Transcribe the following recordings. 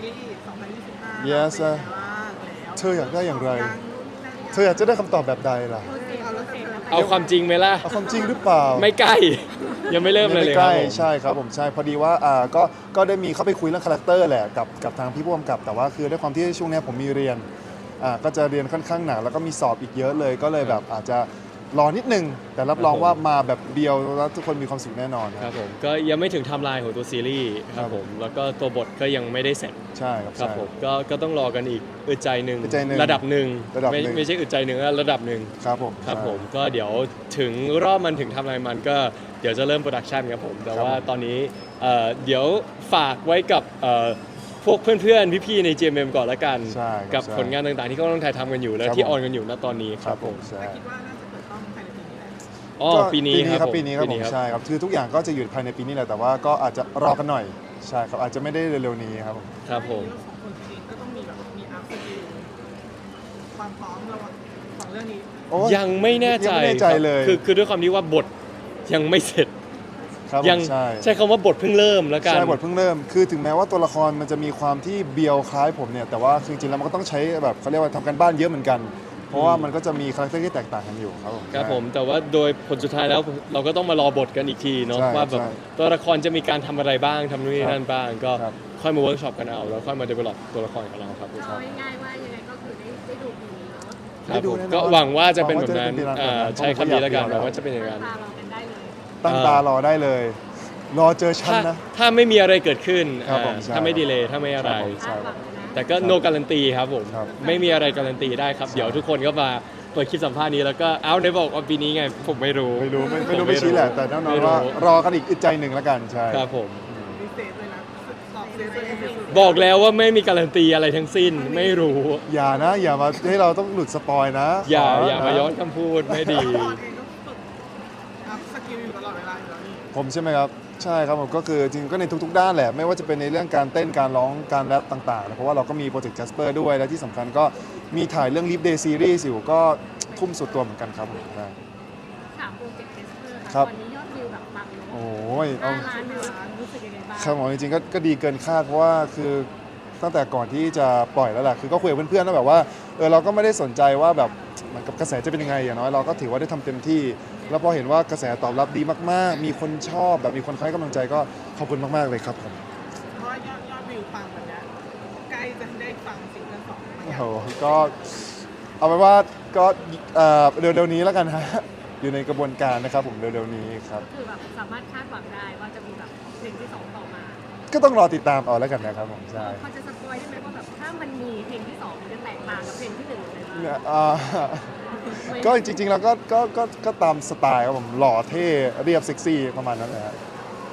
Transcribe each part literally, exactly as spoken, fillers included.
รีส์สองพันยี่สิบห้า Yes เป็นไงบ้างแล้วเธออยากได้อย่างไรดังนู่นนี่นั่นเธออยากจะได้คำตอบแบบใดล่ะเอาแล้วกันเอาความจริงไหมล่ะเอาความจริงหรือเปล่าไม่ใกล้ ยังไม่เริ่มเลยไม่เลยใกครัล้บผมใช่ครับผมใช่พอดีว่าอ่าก็ก็ได้มีเข้าไปคุยเรื่องคาแรคเตอร์แหละกับกับทางพี่ผู้กำกับแต่ว่าคือด้วยความที่ช่วงนี้ผมมีเรียนอ่าก็จะเรียนค่อนข้างหนักแล้วก็มีสอบอีกเยอะเลย ก็เลยแบบอาจจะรอนิดนึงแต่รับรองว่ามาแบบเบียวแล้วทุกคนมีความสุขแน่นอนคครัรับบ ผมก็ยังไม่ถึงไทม์ไลน์ของตัวซีรีส์คครัรับบ ผมแล้วก็ตัวบทก็ยังไม่ได้เสร็จใช่ครับครับใช่ผมก็ก็ต้องรอกันอีกอึดใจหนึ่งอึดใจหนึ่งระดับหนึ่งระดับไม่หนึ่งไม่ใช่อึดใจหนึ่งนะระดับหนึ่งครับผมครับใช่ผมก็เดี๋ยวถึงรอบมันถึงไทำลายมันก็เดี๋ยวจะเริ่มโปรดักชันครับผมแต่ครับว่าผมตอนนี้เอ่อเดี๋ยวฝากไว้กับเอ่อพวกเพื่อนๆพี่ๆใน จี เอ็ม เอ็ม ก่อนละกันใช่ครับกับใช่ผลงานต่างๆที่เขากำลังถ่ายทำกันอยู่และครับที่ผมออนกันอยู่ณตอนนี้ครับผมใช่แต่คิดว่าน่าจะเปิดกล้องภายในปีนี้แหละอ๋อก็ปีนี้ครับผมปีนี้ครับผมใช่ครับคือทุกอย่างก็จะอยู่ภายในปีนี้แหละแต่ว่าก็อาจจะรอกันหน่อยใช่ครับอาจจะไม่ได้เร็วๆนี้ครับผมครับผมเรื่องของคนจริงก็ต้องมีแบบมีอัพสกิลความพร้อมระหว่างสองเรื่องนี้โอ้ยังไม่แน่ใจยังไม่แน่ใจครับเลยคือคือด้วยความที่ว่าบทยังไม่เสร็จครับผมยังใช่ใช้คำว่าบทเพิ่งเริ่มแล้วกันใช่บทเพิ่งเริ่ม คือถึงแม้ว่าตัวละครมันจะมีความที่เบียวคล้ายผมเนี่ย แต่ว่าจริงๆแล้วมันก็ต้องใช้แบบเขาเรียกว่าทำกันบ้านเยอะเหมือนกัน เพราะว่ามันก็จะมีคาแรคเตอร์ที่แตกต่างกันอยู่ครับผมครับผมแต่ว่าโดยผลสุดท้ายแล้วเราก็ต้องมารอบทกันอีกทีเนาะใช่ว่าแบบใช่ตัวละครจะมีการทำอะไรบ้างทำนู่นนี่นั่นบ้าง ก็ครับค่อยมาเวิร์กช็อปกันเอาแล้วค่อยมาเดเวลลอปตัวละครของเราครับผมเอาง่ายๆว่ายังไงก็คือได้ได้ดูปีนี้เนาะครับผมได้ดูแน่นอนก็หวังว่าจะเป็นแบบนั้นหวังว่าจะเป็นแบบนั้นอ่าใช้คำนี้แล้วกันหวังว่าจะเป็นอย่างนั้นตาเรากันได้เลยตั้งตารอได้เลย รอเจอฉันถ้านะถ้าไม่มีอะไรเกิดขึ้นครับผมอ่าใช่ถ้าไม่ดีเลยถ้าไม่อะไรครับผมคาดหวังเลยนะแต่ก็ no การันตีครับผมครับไม่มีอะไรการันตีได้ครับ เดี๋ยวทุกคนก็มาเปิดคลิปสัมภาษณ์นี้แล้วก็เอ้าได้บอกว่าปีนี้ไงผมไม่รู้ไม่รู้ไม่ไม่รู้ผไม่ชี้แหละ แต่แน่นอนว่ารอกันอีกอึดใจหนึ่งแล้วกัน ใช่ครับผมมีเซฟเลยนะตอบเซฟตัวเองสุดบอกแล้วว่าไม่มีการันตีอะไรทั้งสิ้นไม่รู้อย่านะ อย่ามาให้เราต้องหลุดสปอยนะอย่าขอย่ามาย้อนคำพูดไม่ดีๆตอนเองก็ฝึกอัพสกิลอยู่ตลอดเวลาอยู่แล้วนี่ผมใช่ไหมครับ ใช่ครับผมก็คือจริงๆก็ในทุกๆ ด้านแหละ ไม่ว่าจะเป็นในเรื่องการเต้นการร้องการแรปต่างๆ เพราะว่าเราก็มีโปรเจกต์ Jasper ด้วยและที่สำคัญก็มีถ่ายเรื่อง Live Day Series อยู่ก็ทุ่มสุดตัวเหมือนกันครับผมใช่ถามโปรเจกต์เทสเตอร์ครัค่ะบตอนนี้ยอดวิวแบบปังเนโอ้อะยเอาห้าล้านวิวแล้วรู้สึกยังไงบ้างครับผมจริงๆก็ก็ดีเกินคาดเพราะว่าคือตั้งแต่ก่อนที่จะปล่อยแล้วแหละคือก็คุยกับเพื่อนๆแล้วแบบว่าเออเราก็ไม่ได้สนใจว่าแบบเหมือนกับกระแสจะเป็นยังไงอย่างน้อยเราก็ถือว่าได้ทำเต็มที่ แล้วพอเห็นว่ากระแสตอบรับดีมากๆ มีคนชอบแบบมีคนให้กำลังใจก็ขอบคุณมากๆเลยครับผมเพราะว่ายอดยอดวิวปังแบบเนี้ยใกล้จะได้ฟังซิงเกิลสองไหมโอ้โหก็เอาไว้ว่าก็เอ่อเร็วๆนี้แล้วกันฮะอยู่ในกระบวนการนะครับผมเร็วๆนี้ครับคือแบบสามารถคาดหวังได้ว่าจะมีแบบเพลงที่สองต่อมาก็ต้องรอติดตามเอาแล้วกันนะครับผมใช่พอจะสปอยได้ไหมว่าแบบถ้ามันมีเพลงที่สองมันจะแตกต่างกับเพลงที่หนึ่งเลยเนี่ยอ่า ก็จริงๆแล้วก็ก็ก็ก็ตามสไตล์ครับผมหล่อเท่เรียบเซ็กซี่ประมาณนั้นแหละฮะ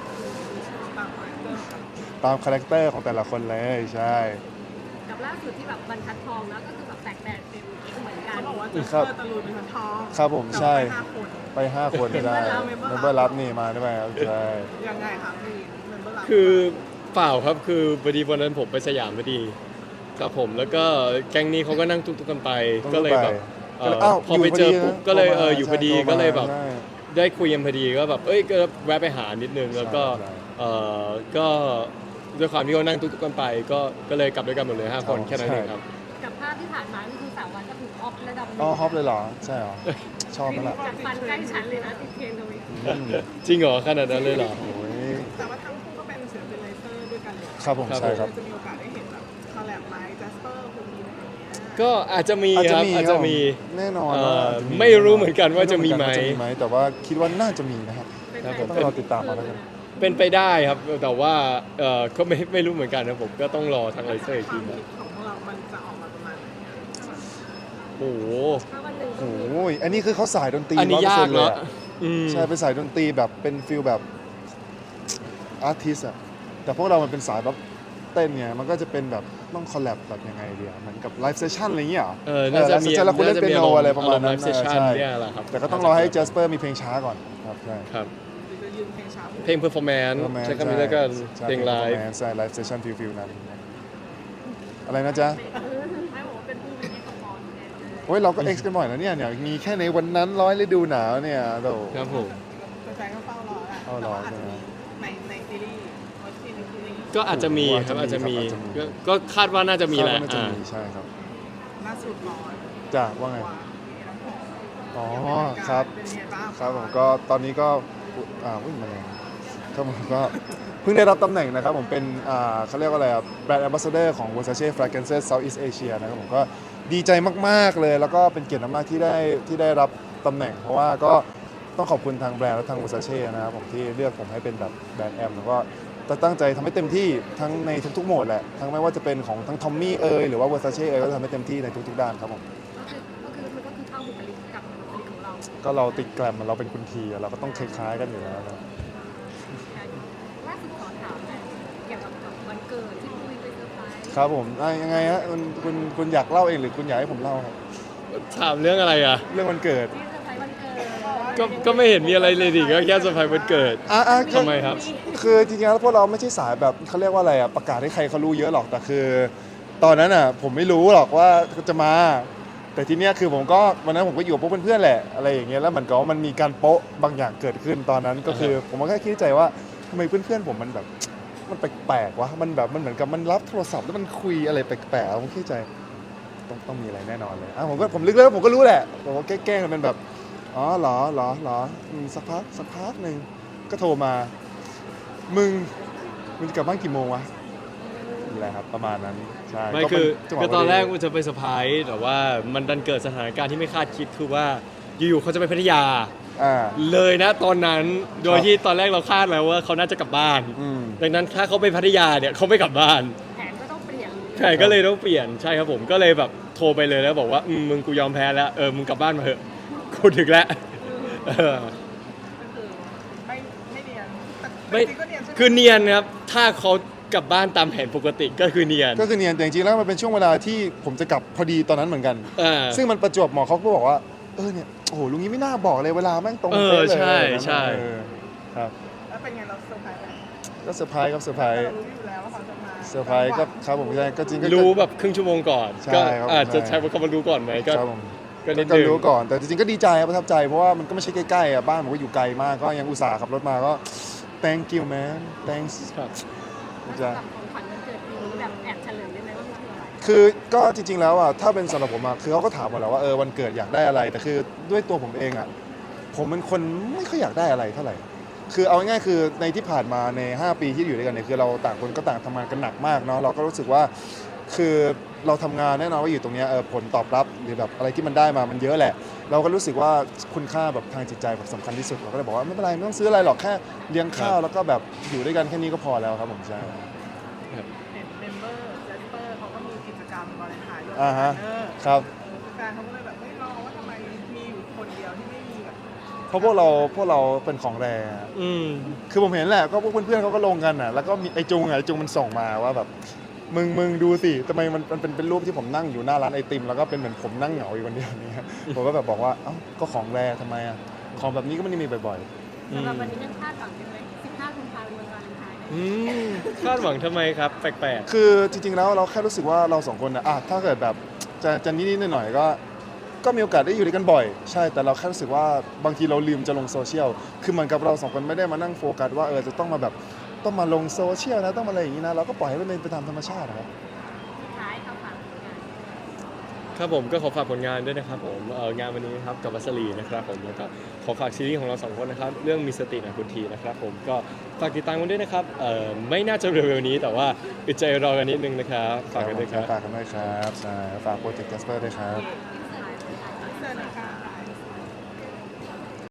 ตามคาแรคเตอร์ครับตามคาแรคเตอร์ของแต่ละคนเลยใช่กับล่าสุดที่แบบบรรทัดทองแล้วก็คือแบบแตกแตกเป็นเหมือนกัเขานบอกว่าเจสครัเปบอร์ตะลุยเป็นคนทองครับผมใช่แต่ว่าห้าคนไป 5 คนได้เมเมมมเบเบออร์ร์ลัรับ บนี่มาได้ไหมครับใช่ยังไงครับพี่เมมเบอร์ลับคือเปล่าครับคือพอดีวันนั้นผมไปสยามพอดีครับผมแล้วก็แก๊งนี้เขาก็นั่งตุ๊กๆกันไปต้องก็เลยแบบก็เลยเอ่ออ้าวพอไปเจออยู่พอดีปุ๊บก็เลยโทรมาเอออยู่พอดีใช่โทรมาก็เลยแบบใช่ได้คุยกันพอดีก็แบบเอ้ยก็แวะไปหานิดนึงแล้วก็ใช่เออก็ด้วยความที่เขานั่งตุ๊กๆกันไป ก็ก็เลยกลับด้วยกันหมดเลยห้าคนใช่แค่นั้นเองครับกับภาพที่ผ่านมาก็คือสาววันก็คือออฟระดับหนึ่งอ๋อฮอปเลยเหรอ ใช่เหรอ ชอบไหมล่ะจากฟันใกล้ฉันเลยนะติดเทรนด์เลยอืมจริงเหรอขนาดนั้นเลยเหรอโอ้ยแต่ว่าทั้งคู่ก็เป็นศิลปินไลเซอร์ด้วยกันเลยครับผมครับใช่ครับจะมีโอกาสได้เห็นแบบคอลแลบไลฟ์จัสเปอร์คุณมีอะไรอย่างเงี้ยก็อาจจะมีครับอาจจะมีแน่นอนเอ่อว่าอาจจะไม่รู้เหมือนกันว่าจะมีไหมรู้เอนกันว่าจะมีไหม แต่ว่าคิดว่าน่าจะมีนะครับครับผมต้องรอติดตามมาแล้วกันเป็นไปได้ครับ แต่ว่าเออก็ไม่ไม่รู้เหมือนกันนะผมก็ต้องรอทางไลเซอร์อีกคทีวามนะคิดของพวกเรา มันจะออกมาประมาณไหนอะโอ้โหถ้าวันหนึ่งโอ้ยอันนี้คือเขาสายดนตรีอันนี้ยากร้อยเปอร์เซ็นต์เลยเนาะอะอืมใช่เป็นสายดนตรีแบบเป็นฟิลแบบอาร์ติสอะแต่พวกเรามันเป็นสายแบบเต้นเนี่ยมันก็จะเป็นแบบต้องคอลแลบแบบยังไงเดียวเหมือนกับไลฟ์เซสชั่นอะไรอย่างเงี้ยหรอเออน่าจะมีไลฟ์เซสชั่นแล้วคุณเล่นเปียโนอะไรประมาณนั้นไลฟ์เซสชั่นใช่เนี่ยแหละครับแต่ก็ต้องรอให้ Jasper มีเพลงช้าก่อนครับใช่ครับหรือจะยืนเพลงช้าเพลงเพอร์ฟอร์แมนซ์ใช้คำนี้แล้วกันใช่เพลงไลฟ์ใช่ไลฟ์เซสชั่นฟิลฟิลนั้นอะไรนะจ๊ะไม่บอกว่าเป็นผู้เป็นเอกพรแน่เลยโอ้ยเราก็ X กันบ่อยแล้วเนี่ยเนี่ยมีแค่ในวันนั้นร้อยฤดูหนาวเนี่ยโตครับผมแฟนๆก็เฝ้ารอแหละเฝ้ารอแต่ว่าอาจจะใช่ไหมมีในในซีรีส์วัคซีนในซีรีส์ก็อาจจะมีครับอาจจะมีก็ก็คาดว่าน่าจะมีแหละคาดว่าน่าจะอ่ามีใช่ครับล่าสุดร้อนจ้ะว่าไงว่ามีน้ำหอมอ๋อครับเป็นยังไงบ้างครับผมก็ตอนนี้ก็อุ๊ยอ่าวิ่งมาแรงครับผมก็เพิ่งได้รับตำแหน่งนะครับผมเป็นอ่าเขาเรียกว่าอะไรแบรนด์แอมบาสเดอร์ของ Versace Fragrances Southeast Asia นะครับผมก็ดีใจมากๆเลย แล้วก็เป็นเกียรติมากๆที่ได้ที่ได้รับตำแหน่ง เพราะว่าก็ต้องขอบคุณทางแบรนด์และทาง Versace นะครับผมที่เลือกผมให้เป็นแบบแบรนด์แอมแล้วก็จะตั้งใจทำให้เต็มที่ทั้งในทุกๆโหมดแหละทั้งไม่ว่าจะเป็นของทั้งทอมมี่เอยหรือว่า Versace เอยก็จะทำให้เต็มที่ในทุกๆด้านครับผมก็คือก็คือมันก็คือเข้าบุคลิกกับบุคลิกของเราก็เราติดแกรมเราเป็นคุณทีเราก็ต้องคล้ายๆกันอยู่แล้วครับล่าสุดขอถามหน่อยเกี่ยวกับกับวันเกิดที่คุยไปเซอร์ไพรส์ครับผมอ่ะยังไงฮะคุณคุณคุณอยากเล่าเองหรือคุณอยากให้ผมเล่าครับถามเรื่องอะไรอ่ะเรื่องวันเกิดที่เซอร์ไพรส์วันเกิดก็ก็ไม่เห็นมีอะไรเลยดิก็แค่เซอร์ไพรส์วันเกิดอ่ะอ่ะคือทำไมครับคือจริงๆแล้วพวกเราไม่ใช่สายแบบเขาเรียกว่าอะไรอ่ะประกาศให้ใครเขารู้เยอะหรอกแต่คือ ตอนนั้นอ่ะผมไม่รู้หรอกว่าจะมา แต่ทีเนี้ยคือผมก็วันนั้นผมก็อยู่กับพวกเพื่อนๆแหละอะไรอย่างเงี้ยแล้วมันก็มันมีการโป๊ะบางอย่างเกิดขึ้นตอนนั้นก็คือ ผมก็แค่คิดในใจว่าทำไมเพื่อนๆผมมันแบบมันแปลกๆวะมันแบบมันเหมือนกับมันรับโทรศัพท์แล้วมันคุยอะไรแปลกๆผมคิดในใจ ต้องต้องมีอะไรแน่นอนเลยอ่ะผมก็ผมลึกแล้วผมก็รู้แหละผมก็แกล้งๆเป็นแบบ อ๋อเหรอเหรอเหรออืมสักพักสักพักหนึ่งก็โทรมา มึงมึงจะกลับบ้านกี่โมงวะนี่แหละครับประมาณนั้นใช่ไม่ก็คืเป็อจังหวะก็ตอนแรกพดีมันจะไปเซอร์ไพรส์แต่ว่ามันดันเกิดสถานการณ์ที่ไม่คาดคิดคือว่าอยู่ๆเขาจะไปพัทยาอ่าเลยนะตอนนั้นโดยครับที่ตอนแรกเราคาดแล้วว่าเขาน่าจะกลับบ้านอืมดังนั้นถ้าเขาไปพัทยาเนี่ยเขาไม่กลับบ้านแผนก็ต้องเปลี่ยนใช่ก็เลยต้องเปลี่ยนใช่ครับผมก็เลยแบบโทรไปเลยแล้วบอกว่าอืมมึงกูยอมแพ้แล้วเออมึงกลับบ้านมาเถอะกูถึงแล้วเออก็คือไม่ไม่เนียนแต่ไม่จริงๆก็เนียนใช่ไหมคือเนียนนะครับถ้าเขากลับบ้านตามแผนปกติก็คือเนียนก็คือเนียนแต่จริงๆแล้วมันเป็นช่วงเวลาที่ผมจะกลับพอดีตอนนั้นเหมือนกันอ่าซึ่งมันประจวบเหมาะเขาก็บอกว่าเออเนี่ยโอ้โหลุงนี้ไม่น่าบอกเลยเวลาแม่งตรงเออเป๊ะเลยใช่อะไรแบบนั้นใช่เออครับแล้วเป็นไงเราเซอร์ไพรส์ไหมก็เซอร์ไพรส์ครับเซอร์ไพรส์เรารู้อยู่แล้วว่าเขาจะมาเซอร์ไพรส์ก็ครับผมใช่ก็จริงก็รู้แบบครึ่งชั่วโมงก่อนใช่ก็ครับอาจจะใช่ใช้คำว่ารู้ก่อนไหมก็ครับผมก็นิดก็นึงรู้ก่อนแต่จริงๆก็ดีใจครับประทับใจเพราะว่ามันก็ไม่ใช่ใกล้ๆอ่ะบ้านผมก็อยู่ไกลมากก็ยังอุตส่าห์ขับรถมาก็ thank you man thanks ครับแล้วสำหรับของขวัญวันเกิดปีนี้แบบแอบเฉลยได้ไหมว่ามันคืออะไรคือก็จริงๆแล้วอ่ะถ้าเป็นสำหรับผมอ่ะคือเขาก็ถามมาแล้วว่าเออวันเกิดอยากได้อะไร แต่คือด้วยตัวผมเองอ่ะผมเป็นคนไม่ค่อยอยากได้อะไรเท่าไหร่คือเอาง่ายๆคือในที่ผ่านมาในห้าปีที่อยู่ด้วยกันเนี่ยคือเราต่างคนก็ต่างทำงานกันหนักมากเนาะเราก็รู้สึกว่าคือเราทำงานแน่นอนว่าอยู่ตรงเนี้ยเออผลตอบรับหรือแบบอะไรที่มันได้มามันเยอะแหละ เราก็รู้สึกว่าคุณค่าแบบทางจิตใจแบบสำคัญที่สุดเราก็เลยบอกว่าไม่เป็นไรไม่ต้องซื้ออะไรหรอกแค่เลี้ยงข้าวแล้วก็แบบอยู่ด้วยกันแค่นี้ก็พอแล้วครับผมใช่เห็นเมมเบอร์เซสเปอร์เขาก็มีกิจกรรมวาเลนไทน์ด้วยอ่าฮะเออครับเออแฟนเขาก็เลยแบบไม่รอว่าทำไมมีอยู่คนเดียวที่ไม่มีแบบเพราะพวกเราพวกเราเป็นของแรงอืมคือผมเห็นแหละก็พวกเพื่อนๆเขาก็ลงกันอ่ะแล้วก็มีไอจุงอ่ะไอจุงมันส่งมาว่าแบบมึงมึงดูสิทำไมมันมันเป็นเป็นรูปที่ผมนั่งอยู่หน้าร้านไอติมแล้วก็เป็นเหมือนผมนั่งเหงาอยู่คนเดียวเนี่ยผมก็แบบบอกว่าเอ้าก็ของแรงทำไมอ่ะของแบบนี้ก็ไม่ได้มีบ่อยอืมสำหรับวันนี้ยังคาดหวังอยู่ไหมสิบห้ากุมภาพันธ์วันวาเลนไทน์อืมคาดหวังทำไมครับแปลกๆ คือจริงๆแล้วเราแค่รู้สึกว่าเราสองคนนะอ่ะถ้าเกิดแบบจะจะนิดๆหน่อยๆก็ ก็มีโอกาสได้อยู่ด้วยกันบ่อยใช่แต่เราแค่รู้สึกว่าบางทีเราลืมจะลงโซเชียลคือเหมือนกับเราสองคนไม่ได้มานั่งโฟกัสว่าเออจะต้องมาแบบต้องมาลงโซเชียลนะต้องมาอะไรอย่างนี้นะเราก็ปล่อยให้มันเป็นไปตามธรรมชาตินะครับสุดท้ายเขาฝากผลงานๆครับผมก็ขอฝากผลงานด้วยนะครับผมเอ่องานวันนี้นะครับกับวัสลีนะครับผมแล้วก็ขอฝากซีรีส์ของเราสองคนนะครับเรื่องมีสตินะคุณทีนะครับผมก็ฝากติดตามกันด้วยนะครับเอ่อไม่น่าจะเร็วๆนี้แต่ว่าอึดใจรอกันนิดนึงนะครับฝากกันด้วยครับฝากกันด้วยครับใช่ฝากโปรเจกต์แคสเปอร์ด้วยครับเซน